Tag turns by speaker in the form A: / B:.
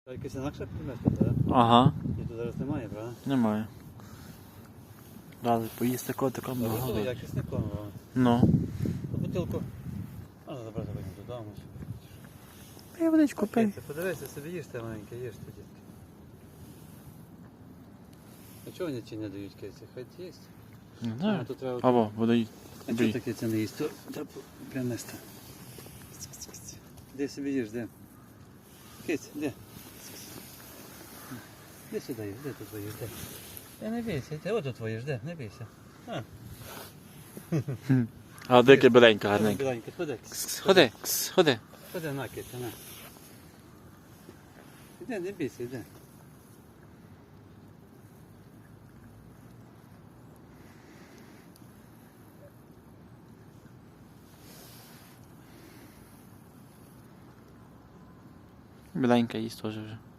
A: Якась інакша примета, так?
B: Ага,
A: І тут зараз немає, правда?
B: немає. Дали поїсти котикам
A: Добре,
B: багато.
A: якісний корм, правда?
B: Ну.
A: Бутилку можна забрати потім додому.
B: Я водичку пий.
A: Ти подивися, собі їж те маленьке, їж ти, дітки. А чого вони ці не дають киці? Хай їсть.
B: Не знаю.
A: Тут треба...
B: Або води.
A: А чого таке це не їсть? То треба принести. Де собі їж, де? Киць, де? Де сюди їж, де тут твоїш, де? Не бійся, ти от тут твоїш, де? Не бійся.
B: А дике біленька гарненька.
A: Біленька, ходи.
B: Ходи, ходи.
A: Ходи на, киця, на. Іди, не бійся, іди.
B: Біленька їсть теж вже.